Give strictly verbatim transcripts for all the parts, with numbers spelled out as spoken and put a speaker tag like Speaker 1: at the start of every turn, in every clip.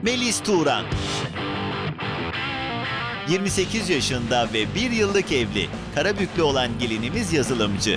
Speaker 1: Melis Turan. yirmi sekiz yaşında ve bir yıllık evli. Karabüklü olan gelinimiz yazılımcı.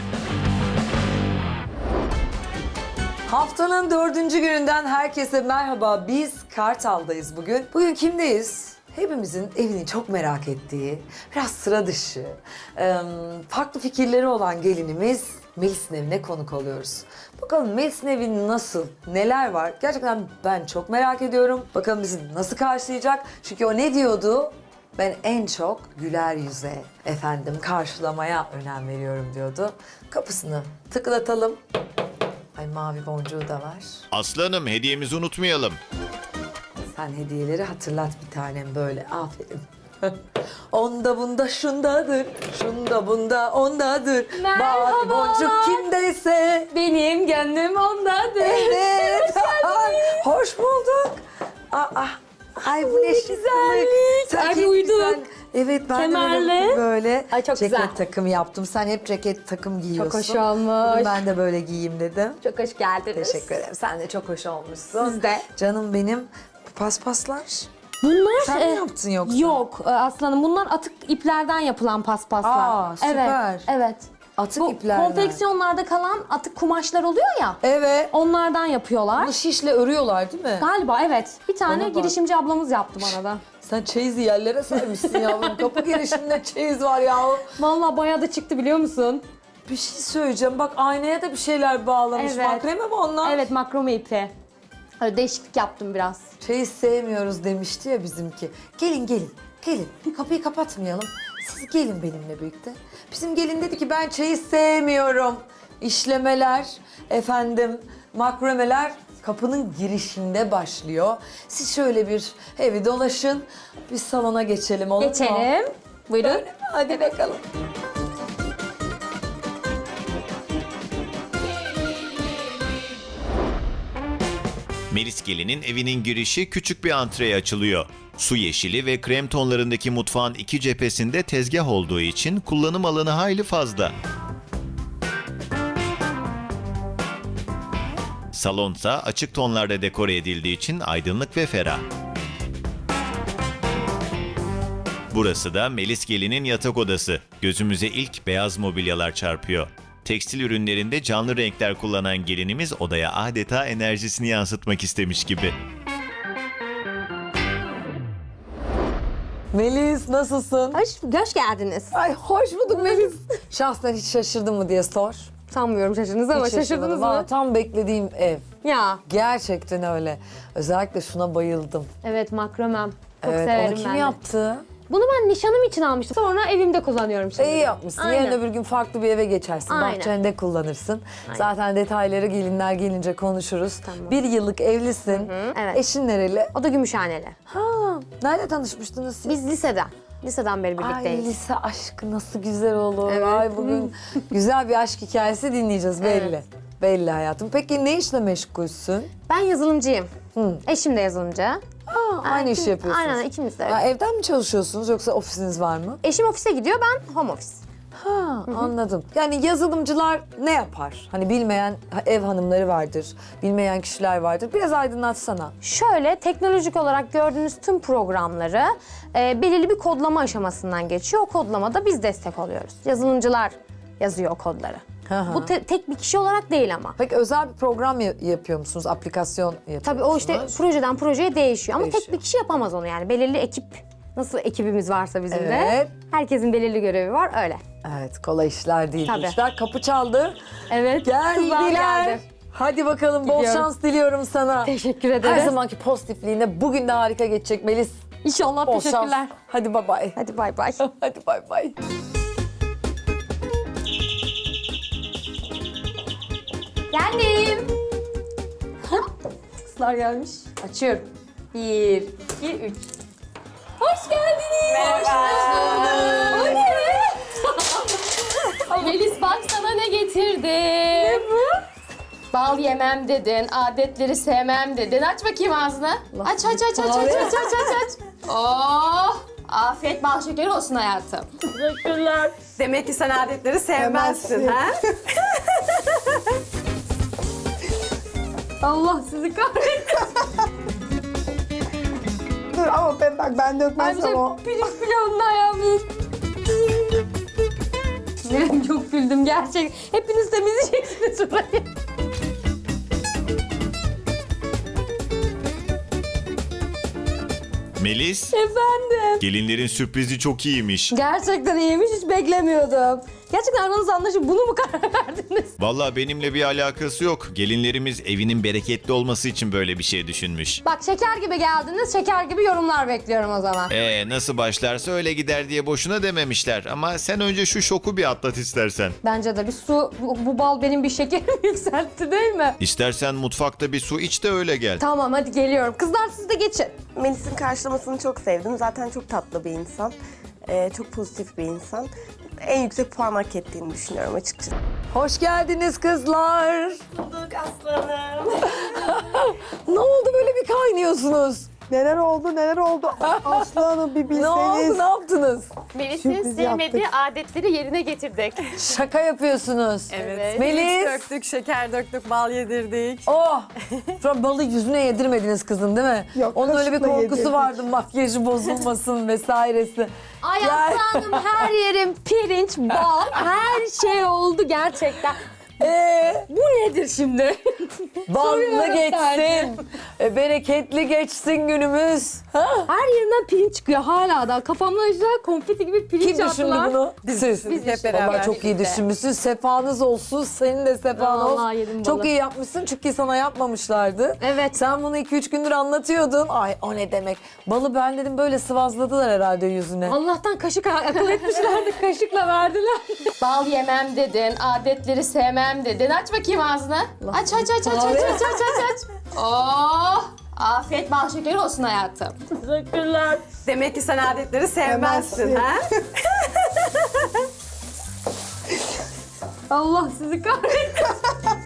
Speaker 2: Haftanın dördüncü gününden herkese merhaba. Biz Kartal'dayız bugün. Bugün kimdeyiz? Hepimizin evini çok merak ettiği, biraz sıra dışı, farklı fikirleri olan gelinimiz Melis'in evine konuk oluyoruz. Bakalım Melis'in evi nasıl, neler var? Gerçekten ben çok merak ediyorum. Bakalım bizi nasıl karşılayacak? Çünkü o ne diyordu? Ben en çok güler yüze, efendim karşılamaya önem veriyorum diyordu. Kapısını tıklatalım. Ay mavi boncuğu da var.
Speaker 1: Aslanım, hediyemizi unutmayalım.
Speaker 2: Sen hediyeleri hatırlat bir tanem böyle. Aferin. Onda bunda şundadır, şunda bunda ondadır.
Speaker 3: Merhaba.
Speaker 2: Mavi boncuk kimdeyse.
Speaker 3: Benim gönlüm ondadır.
Speaker 2: Evet. Hoş bulduk. Aa, ay bu ne
Speaker 3: güzellik.
Speaker 2: Sen
Speaker 3: Ay,
Speaker 2: çok
Speaker 3: uyduk.
Speaker 2: güzel. Evet ben
Speaker 3: Kemerli.
Speaker 2: de böyle, böyle
Speaker 3: Ay, çok
Speaker 2: ceket
Speaker 3: güzel.
Speaker 2: takımı yaptım. Sen hep ceket takım giyiyorsun.
Speaker 3: hoş olmuş.
Speaker 2: Bugün ben de böyle giyeyim dedim.
Speaker 3: Çok hoş geldiniz.
Speaker 2: Teşekkür ederim. Sen de çok hoş olmuşsun.
Speaker 3: Siz de.
Speaker 2: Canım benim. Bu paspaslar.
Speaker 3: Bunlar
Speaker 2: Sen
Speaker 3: e,
Speaker 2: mi yaptın yoksa?
Speaker 3: Yok e, aslanım, bunlar atık iplerden yapılan paspaslar.
Speaker 2: Aa, süper.
Speaker 3: Evet. Evet.
Speaker 2: Atık
Speaker 3: Bu
Speaker 2: iplerden.
Speaker 3: konfeksiyonlarda kalan atık kumaşlar oluyor ya.
Speaker 2: Evet.
Speaker 3: Onlardan yapıyorlar.
Speaker 2: Bunu şişle örüyorlar değil mi?
Speaker 3: Galiba evet. Bir tane
Speaker 2: Bana bak.
Speaker 3: girişimci ablamız yaptı bana da.
Speaker 2: Sen çeyizi yerlere sermişsin yavrum. Kapı girişinde çeyiz var ya.
Speaker 3: Vallahi bayağı da çıktı, biliyor musun?
Speaker 2: Bir şey söyleyeceğim. Bak aynaya da bir şeyler bağlamış.
Speaker 3: Evet.
Speaker 2: Makreme mi onlar?
Speaker 3: Evet, makrome ipi. Öyle değişiklik yaptım biraz.
Speaker 2: Çeyiz sevmiyoruz demişti ya bizimki. Gelin gelin. Gelin. Kapıyı kapatmayalım. Siz gelin benimle birlikte. Bizim gelin dedi ki ben çeyiz sevmiyorum. İşlemeler, efendim makromeler kapının girişinde başlıyor. Siz şöyle bir evi dolaşın. Biz salona geçelim olur mu?
Speaker 3: Geçelim. Buyurun.
Speaker 2: Öyle mi? Hadi bakalım.
Speaker 1: Melis gelinin evinin girişi küçük bir antreye açılıyor. Su yeşili ve krem tonlarındaki mutfağın iki cephesinde tezgah olduğu için kullanım alanı hayli fazla. Salonsa açık tonlarda dekore edildiği için aydınlık ve ferah. Burası da Melis gelinin yatak odası. Gözümüze ilk beyaz mobilyalar çarpıyor. Tekstil ürünlerinde canlı renkler kullanan gelinimiz odaya adeta enerjisini yansıtmak istemiş gibi.
Speaker 2: Melis nasılsın?
Speaker 3: Hoş, hoş geldiniz.
Speaker 2: Ay hoş bulduk Melis. Şahsen hiç şaşırdın mı diye sor.
Speaker 3: Sanmıyorum şaşırdınız ama
Speaker 2: Hiç
Speaker 3: şaşırdınız
Speaker 2: şaşırmadım.
Speaker 3: mı?
Speaker 2: Valla tam beklediğim ev.
Speaker 3: Ya.
Speaker 2: Gerçekten öyle. Özellikle şuna bayıldım.
Speaker 3: Evet, makromem. Çok
Speaker 2: Evet,
Speaker 3: severim
Speaker 2: onu kim
Speaker 3: ben de.
Speaker 2: yaptı?
Speaker 3: Bunu ben nişanım için almıştım. Sonra evimde kullanıyorum şimdi.
Speaker 2: İyi yapmışsın.
Speaker 3: Aynen.
Speaker 2: Yarın öbür gün farklı bir eve geçersin.
Speaker 3: Aynen.
Speaker 2: Bahçende kullanırsın. Zaten detayları gelinler gelince konuşuruz.
Speaker 3: Tamam.
Speaker 2: Bir yıllık evlisin.
Speaker 3: Evet.
Speaker 2: Eşin nereli?
Speaker 3: O da Gümüşhaneli.
Speaker 2: Ha, nerede tanışmıştınız siz?
Speaker 3: Biz liseden. Liseden beri
Speaker 2: Ay
Speaker 3: birlikteyiz.
Speaker 2: lise aşkı nasıl güzel olur.
Speaker 3: Evet.
Speaker 2: Ay bugün güzel bir aşk hikayesi dinleyeceğiz belli.
Speaker 3: Evet.
Speaker 2: Belli hayatım. Peki ne işle meşgulsün?
Speaker 3: Ben yazılımcıyım. Eşim de yazılımcı.
Speaker 2: Aa, aynı işi yapıyorsunuz.
Speaker 3: Aynen, ikimiz de.
Speaker 2: Ha, evden mi çalışıyorsunuz yoksa ofisiniz var mı?
Speaker 3: Eşim ofise gidiyor, ben home office.
Speaker 2: Ha, anladım. Yani yazılımcılar ne yapar? Hani bilmeyen ev hanımları vardır, bilmeyen kişiler vardır. Biraz aydınlatsana.
Speaker 3: Şöyle, teknolojik olarak gördüğünüz tüm programları e, belirli bir kodlama aşamasından geçiyor. O kodlamada biz destek oluyoruz. Yazılımcılar yazıyor o kodları.
Speaker 2: Hı hı.
Speaker 3: Bu te- tek bir kişi olarak değil ama.
Speaker 2: Peki özel bir program ya- yapıyor musunuz? Aplikasyon yapıyor
Speaker 3: Tabii o işte
Speaker 2: musunuz?
Speaker 3: projeden projeye değişiyor. Ama tek
Speaker 2: Değişiyor.
Speaker 3: bir kişi yapamaz onu yani. Belirli ekip, nasıl ekibimiz varsa bizim
Speaker 2: Evet.
Speaker 3: de. Herkesin belirli görevi var, öyle.
Speaker 2: Evet, kolay işler değil.
Speaker 3: Tabii.
Speaker 2: İşler kapı çaldı.
Speaker 3: Evet. kızlar
Speaker 2: Geldiler.
Speaker 3: geldi.
Speaker 2: Hadi bakalım bol
Speaker 3: Gidiyoruz.
Speaker 2: şans diliyorum sana.
Speaker 3: Teşekkür ederiz.
Speaker 2: Her zamanki pozitifliğine bugün de harika geçecek Melis.
Speaker 3: İnşallah,
Speaker 2: Bol
Speaker 3: teşekkürler.
Speaker 2: şans. Hadi bay bay.
Speaker 3: Hadi bay bay.
Speaker 2: Hadi bay bay.
Speaker 3: Geldim. Kızlar gelmiş. Açıyorum. Bir, iki, üç. Hoş geldiniz. Merhaba. Hoş bulduk. O ne?
Speaker 4: Melis bak sana ne getirdim. Ne
Speaker 3: bu?
Speaker 4: Bal yemem dedin, adetleri sevmem dedin. Aç bakayım ağzını. Aç aç aç aç aç aç aç aç aç. Oh! Afiyet bal şekeri olsun hayatım.
Speaker 3: Teşekkürler.
Speaker 5: Demek ki sen adetleri sevmezsin, ha?
Speaker 3: Allah sizi kahretsin.
Speaker 5: Bak ben dökmezsem o.
Speaker 3: Pirinç pilavından yapmış. Ben çok güldüm gerçek. Hepiniz temizleyeceksiniz burayı.
Speaker 1: Melis,
Speaker 3: Efendim.
Speaker 1: gelinlerin sürprizi çok iyiymiş.
Speaker 3: Gerçekten iyiymiş, hiç beklemiyordum. Gerçekten aranızda anlaşıp bunu mu karar verdiniz?
Speaker 1: Vallahi benimle bir alakası yok. Gelinlerimiz evinin bereketli olması için böyle bir şey düşünmüş.
Speaker 3: Bak şeker gibi geldiniz, şeker gibi yorumlar bekliyorum o zaman.
Speaker 1: Ee nasıl başlarsa öyle gider diye boşuna dememişler. Ama sen önce şu şoku bir atlat istersen.
Speaker 3: Bence de bir su, bu, bu bal benim bir şekerimi yükseltti değil mi?
Speaker 1: İstersen mutfakta bir su iç de öyle gel.
Speaker 3: Tamam hadi geliyorum. Kızlar siz de geçin.
Speaker 6: Melis'in karşılamasını çok sevdim. Zaten çok tatlı bir insan. Ee, çok pozitif bir insan. En yüksek puan hak ettiğini düşünüyorum açıkçası.
Speaker 2: Hoş geldiniz kızlar.
Speaker 6: Bulduk aslanım.
Speaker 2: Ne oldu böyle bir kaynıyorsunuz?
Speaker 5: Neler oldu neler oldu. Aslanım bir
Speaker 2: Ne oldu
Speaker 5: bilseniz.
Speaker 2: ne yaptınız?
Speaker 4: Melis'in
Speaker 5: Sürpriz
Speaker 4: sevmediği
Speaker 5: yaptık.
Speaker 4: adetleri yerine getirdik.
Speaker 2: Şaka yapıyorsunuz.
Speaker 5: Evet.
Speaker 2: Melis.
Speaker 5: Pirinç döktük, şeker döktük, bal yedirdik.
Speaker 2: Oh! Şu an balı yüzüne yedirmediniz kızın değil mi?
Speaker 5: Yok,
Speaker 2: Onun öyle bir
Speaker 5: kaşıkla
Speaker 2: korkusu
Speaker 5: yedirdik.
Speaker 2: vardı makyajı bozulmasın vesairesi.
Speaker 3: Ay
Speaker 2: Ya-
Speaker 3: aslanım her yerim pirinç, bal, her şey oldu gerçekten.
Speaker 2: Ee,
Speaker 3: Bu nedir şimdi?
Speaker 2: ballı
Speaker 3: Soruyorum
Speaker 2: geçsin.
Speaker 3: sadece.
Speaker 2: E, bereketli geçsin günümüz. Ha?
Speaker 3: Her yerimden pirinç çıkıyor hala da. Kafamdan güzel konfeti gibi pirinç
Speaker 2: Kim düşündü
Speaker 3: attılar.
Speaker 2: bunu?
Speaker 5: Biz
Speaker 2: Siz.
Speaker 5: düşündük hep beraber.
Speaker 2: Vallahi çok iyi düşünmüşsünüz. Sefanız olsun. Senin de sefan
Speaker 3: Vallahi
Speaker 2: olsun.
Speaker 3: yedim balı.
Speaker 2: Çok iyi yapmışsın çünkü sana yapmamışlardı.
Speaker 3: Evet.
Speaker 2: Sen bunu iki üç gündür anlatıyordun. Ay o ne demek. Balı ben dedim böyle sıvazladılar herhalde yüzüne.
Speaker 3: Allah'tan kaşık akıl etmişlerdi. Kaşıkla verdiler.
Speaker 4: Bal yemem dedin, adetleri sevmem dedin. Aç bakayım ağzını. Aç aç aç aç aç aç aç aç aç. Oh! Afiyet bal şekeri olsun hayatım.
Speaker 3: Teşekkürler.
Speaker 5: Demek ki sen adetleri sevmezsin. Sevmezsin. Ha?
Speaker 3: Allah sizi kahretsin.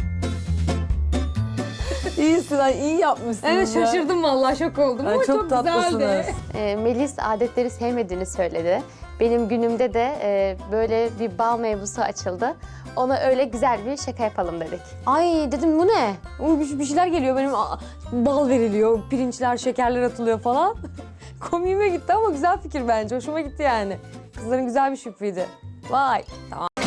Speaker 2: İyisin ay iyi yapmışsınız
Speaker 3: Evet
Speaker 2: ya.
Speaker 3: şaşırdım vallahi şok oldum
Speaker 2: Ay,
Speaker 3: ama
Speaker 2: çok
Speaker 3: çok,
Speaker 2: tatlısınız.
Speaker 3: güzeldi.
Speaker 7: E, Melis adetleri sevmediğini söyledi. Benim günümde de e, böyle bir bal mevzusu açıldı. Ona öyle güzel bir şaka yapalım dedik.
Speaker 3: Ay dedim bu ne? Uy, Bir bir şeyler geliyor benim aa, bal veriliyor, pirinçler, şekerler atılıyor falan. Komiğime gitti ama güzel fikir bence. Hoşuma gitti yani. Kızların güzel bir şükrüydü. Vay. Tamam.